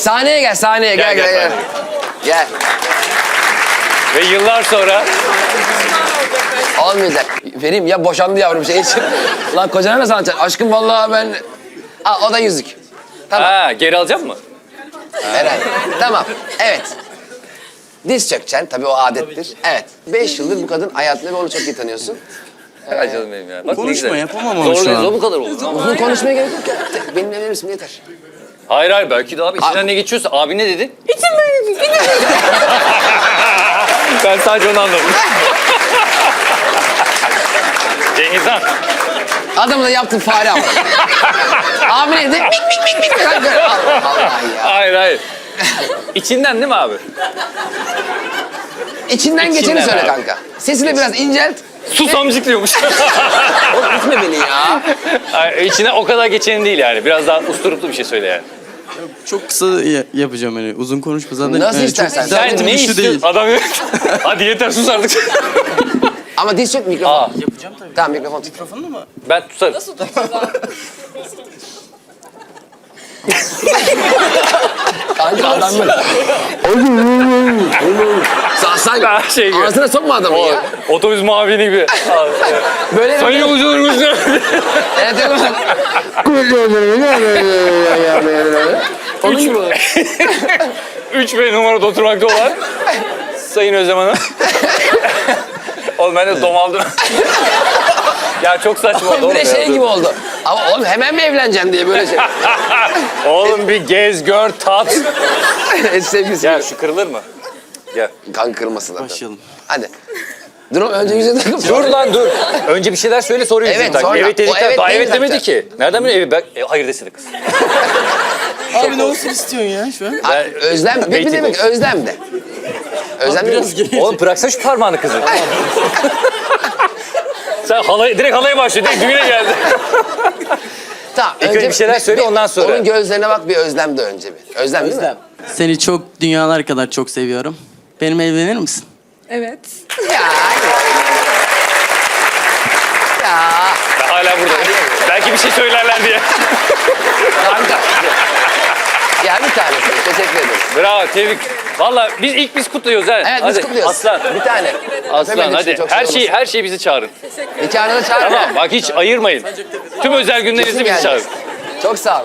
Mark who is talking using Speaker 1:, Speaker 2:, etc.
Speaker 1: Sahneye gel, sahneye gel. Gel.
Speaker 2: Ve yıllar sonra...
Speaker 1: Olmayacak. Vereyim ya, boşandı yavrum şey için. Lan kocana nasıl anlatacaksın? Aşkım vallahi ben... Al, o da yüzük. Tamam.
Speaker 2: Ha, geri alacak mı?
Speaker 1: Herhalde. Tamam. Evet. Diz çökeceksin. Tabii o adettir. Evet. 5 yıldır bu kadın hayatında ve onu çok iyi tanıyorsun.
Speaker 2: Ay canım benim ya. Bak,
Speaker 3: Konuşma, yapamam ama şu
Speaker 2: Zorlayız,
Speaker 3: an.
Speaker 2: o bu kadar olur.
Speaker 1: Uzun konuşmaya gerek yok ya. Benimle evlenir misin? Yeter.
Speaker 2: Hayır belki de abi içinden ne geçiyorsa. Abi ne dedi? Ben sadece onu anladım. Cengiz Han.
Speaker 1: Adamı da yaptın fare ama. Abi neydi? Mik mik mik mik. Allah Allah ya.
Speaker 2: Hayır. İçinden değil mi abi?
Speaker 1: İçinden geçeni
Speaker 2: İçinden
Speaker 1: söyle
Speaker 2: abi.
Speaker 1: kanka. Sesini biraz incelt.
Speaker 2: Susamcık diyormuş.
Speaker 1: Oğlum itme beni ya.
Speaker 2: Ay, içine o kadar geçeni değil yani. Biraz daha usturuplu bir şey söyle yani.
Speaker 3: Çok kısa yapacağım hani. Uzun konuşma zaten.
Speaker 1: Nasıl
Speaker 3: çok
Speaker 1: istersen.
Speaker 3: güzel
Speaker 2: Sen ne
Speaker 3: duruşu
Speaker 2: istiyorsun? Adam yok. Hadi yeter sus artık.
Speaker 1: Ama diz çök, mikrofon.
Speaker 2: Aa.
Speaker 3: Yapacağım tabii.
Speaker 1: Tamam, mikrofon tut.
Speaker 3: Mikrofonla mı?
Speaker 2: Ben tutarım.
Speaker 1: Kanka adam böyle. Sen
Speaker 2: Daha şey gibi.
Speaker 1: ağzına sokma adamı
Speaker 2: O,
Speaker 1: ya.
Speaker 2: otobüs muavini gibi.
Speaker 1: Böyle
Speaker 2: Sayın yolcularımız.
Speaker 1: Evet evet. Onun gibi olur.
Speaker 2: 3B numarada oturmakta olan Sayın Özlem Hanım. Oğlum ben de domaldım. Ya çok saçma oldu.
Speaker 1: Bir de şey gibi oldu. Ama oğlum hemen mi evleneceksin diye böyle şey.
Speaker 2: Oğlum bir gez, gör, tat.
Speaker 1: Sevgisi.
Speaker 2: Gel şu kırılır mı? Gel.
Speaker 1: Kan kırmasın zaten.
Speaker 3: Başlayalım.
Speaker 1: Hadi. Dur oğlum, önce yüzüne takıp.
Speaker 2: Dur lan dur. Önce bir şeyler söyle sonra yüzünü
Speaker 1: Evet,
Speaker 2: tak.
Speaker 1: sonra.
Speaker 2: Evet
Speaker 1: O
Speaker 2: dedikler
Speaker 1: evet
Speaker 2: daha
Speaker 1: değil
Speaker 2: evet demedi
Speaker 1: zaten.
Speaker 2: ki. Nereden biliyor? Evet, hayır desene kız.
Speaker 3: Abi ne olsun istiyorsun ya şu an?
Speaker 1: Ha, özlem. Ne
Speaker 2: Rating
Speaker 1: demek
Speaker 2: olsun.
Speaker 1: özlem de. Özlem
Speaker 3: Biraz
Speaker 1: değil mi?
Speaker 3: geri.
Speaker 2: Oğlum bıraksana şu parmağını kızı. Sen direkt halaya başlıyor. Direkt düğüne geldi.
Speaker 1: Tamam.
Speaker 2: İlk önce bir şeyler söyle, ondan sonra.
Speaker 1: Onun gözlerine bak, bir özlem de önce bir. Özlem değil mi?
Speaker 3: Seni çok dünyalar kadar çok seviyorum. Benimle evlenir misin?
Speaker 4: Evet.
Speaker 1: Ya. Ya.
Speaker 2: Ben hala burada. Belki bir şey söylerler diye.
Speaker 1: Kanka. Ya bir tanesi. Teşekkür ederim.
Speaker 2: Bravo, tebrik. Valla biz kutluyoruz ha.
Speaker 1: Evet
Speaker 2: Hadi.
Speaker 1: biz kutluyoruz.
Speaker 2: Aslan.
Speaker 1: Bir tane.
Speaker 2: Aslan
Speaker 1: Benim için
Speaker 2: hadi.
Speaker 1: çok
Speaker 2: Her şeyi bizi çağırın.
Speaker 1: Nikahına da çağır.
Speaker 2: Tamam bak hiç ayırmayın. Tüm özel günlerinizi
Speaker 1: Kesin
Speaker 2: bizi
Speaker 1: geleceğiz.
Speaker 2: çağırın.
Speaker 1: Çok sağ ol.